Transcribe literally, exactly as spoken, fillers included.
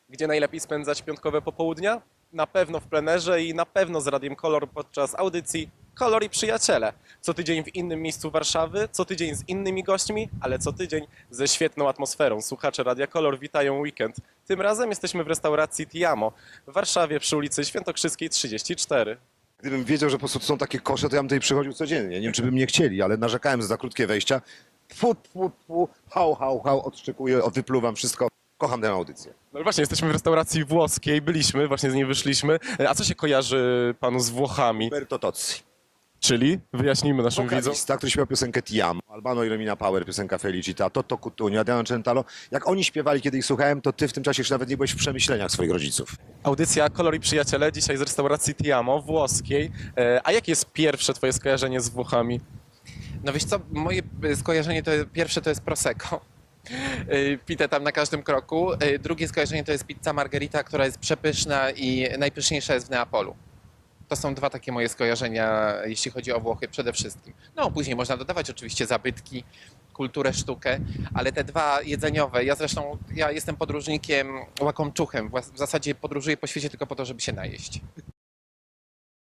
Gdzie najlepiej spędzać piątkowe popołudnia? Na pewno w plenerze i na pewno z Radiem Kolor podczas audycji Kolor i Przyjaciele. Co tydzień w innym miejscu Warszawy, co tydzień z innymi gośćmi, ale co tydzień ze świetną atmosferą. Słuchacze Radia Kolor witają weekend. Tym razem jesteśmy w restauracji Tiamo w Warszawie przy ulicy Świętokrzyskiej trzydzieści cztery. Gdybym wiedział, że po prostu są takie kosze, to ja bym tutaj przychodził codziennie. Nie wiem, czy by mnie chcieli, ale narzekałem za krótkie wejścia. Fu, fu, fu, hał, hał, hał, odszczekuję, wypluwam wszystko. Kocham tę audycję. No właśnie, jesteśmy w restauracji włoskiej, byliśmy, właśnie z niej wyszliśmy. A co się kojarzy panu z Włochami? Roberto Tozzi. Czyli? Wyjaśnijmy naszym widzom. Wokalista, który śpiewał piosenkę Ti Amo, Albano i Romina Power, piosenka Felicita, Toto Cutugno, Adriano Celentano. Jak oni śpiewali, kiedy ich słuchałem, to ty w tym czasie jeszcze nawet nie byłeś w przemyśleniach swoich rodziców. Audycja Kolor i Przyjaciele, dzisiaj z restauracji Tiamo włoskiej. E, A jakie jest pierwsze twoje skojarzenie z Włochami? No wiesz co, moje skojarzenie to pierwsze to jest Prosecco. Y, Pite tam na każdym kroku. Y, Drugie skojarzenie to jest pizza margherita, która jest przepyszna i najpyszniejsza jest w Neapolu. To są dwa takie moje skojarzenia, jeśli chodzi o Włochy przede wszystkim. No później można dodawać oczywiście zabytki, kulturę, sztukę, ale te dwa jedzeniowe, ja zresztą ja jestem podróżnikiem łakomczuchem, w zasadzie podróżuję po świecie tylko po to, żeby się najeść.